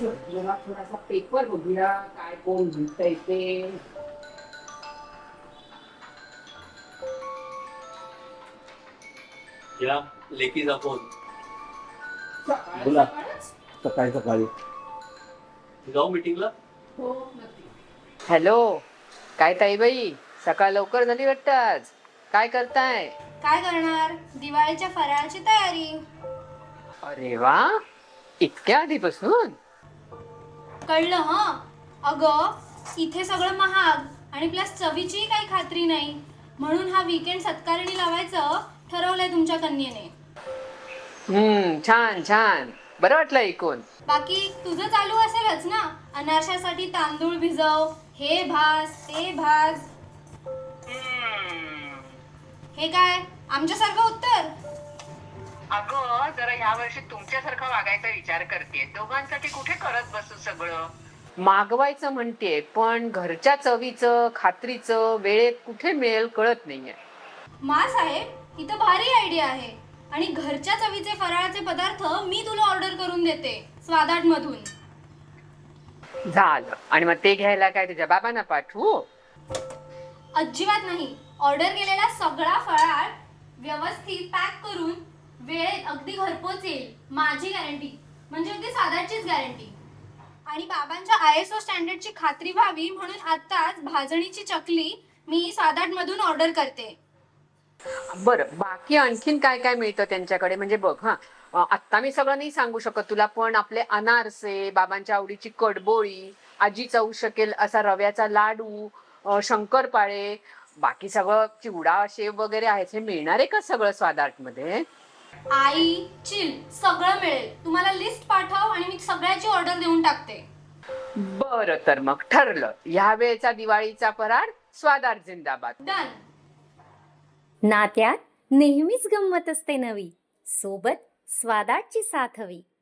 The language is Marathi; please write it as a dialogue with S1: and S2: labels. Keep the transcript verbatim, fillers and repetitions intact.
S1: जेव्हा थोडासा पेपर बघूया काय कोण लिहितंय ते.
S2: या लेकीचा फोन.
S3: बोला. सकाळी सकाळी
S2: जाऊ मीटिंगला.
S1: हो नक्की.
S4: हॅलो, काय ताईबाई, सकाळ लवकर झाली वाटतं आज. काय करताय?
S5: काय करणार, दिवाळीच्या फराळाची तयारी.
S4: अरे वा, इतक्या आधीपासून?
S5: कळलं हं. अगं इथे सगळं महाग आणि प्लस चवीचीही काही खात्री नाही, म्हणून हा वीकेंड सत्कारणी लावायचं ठरवलंय तुमच्या कन्येने.
S4: हम्म, छान छान, बरं वाटलं ऐकून.
S5: बाकी तुझं चालू असेलच ना, अनारशासाठी तांदूळ भिजव, हे भाज ते भाज. हे काय आमच्यासारखं उत्तर?
S6: अगं जरा ह्या वर्षी तुमच्यासारखं वागायचा विचार करते. दोघांसाठी कुठे करत बसू सगळं.
S4: मागवायचं म्हणते, पण घरच्या चवीचं खात्रीचं वेळेत कुठे मिळेल कळत नाहीये.
S5: मा साहेब, ही तर भारी आयडिया आहे. आणि घरच्या चवीचे फराळाचे पदार्थ मी तुला ऑर्डर करून देते स्वादाट मधून.
S4: झालं. आणि मग ते घ्यायला काय तुझ्या बाबांना पाठवू?
S5: अजिबात नाही. ऑर्डर केलेला सगळा फराळ व्यवस्थित पॅक करून वेळेत अगदी घरपोच येईल, माझी गॅरंटी. म्हणजे अगदी साधाचीच गॅरंटी. आणि बाबांच्या आय एस ओ स्टँडर्डची खात्री व्हावी म्हणून आत्ताच भाजणीची चकली मी साधाट मधून ऑर्डर करते.
S4: बरं, बाकी आणखीन काय काय मिळतं त्यांच्याकडे? म्हणजे बघ हा, आत्ता मी सगळं नाही सांगू शकत तुला, पण आपले अनारसे, बाबांच्या आवडीची कडबोळी, आजी चावू शकेल असा रव्याचा लाडू, शंकरपाळे, बाकी सगळं चिवडा शेव वगैरे आहे. हे मिळणार आहे का सगळं स्वादार्ट मध्ये?
S5: आई चिल, सगळं मिळेल. तुम्हाला लिस्ट पाठव आणि मी सगळ्याची ऑर्डर देऊन टाकते.
S4: बरं, तर मग ठरलं. ह्या वेळेचा दिवाळीचा फराळ स्वादार्ट जिंदाबाद.
S5: डन.
S7: नात्यात नेहमीच गंमत असते नवी, सोबत स्वादाची साथ हवी.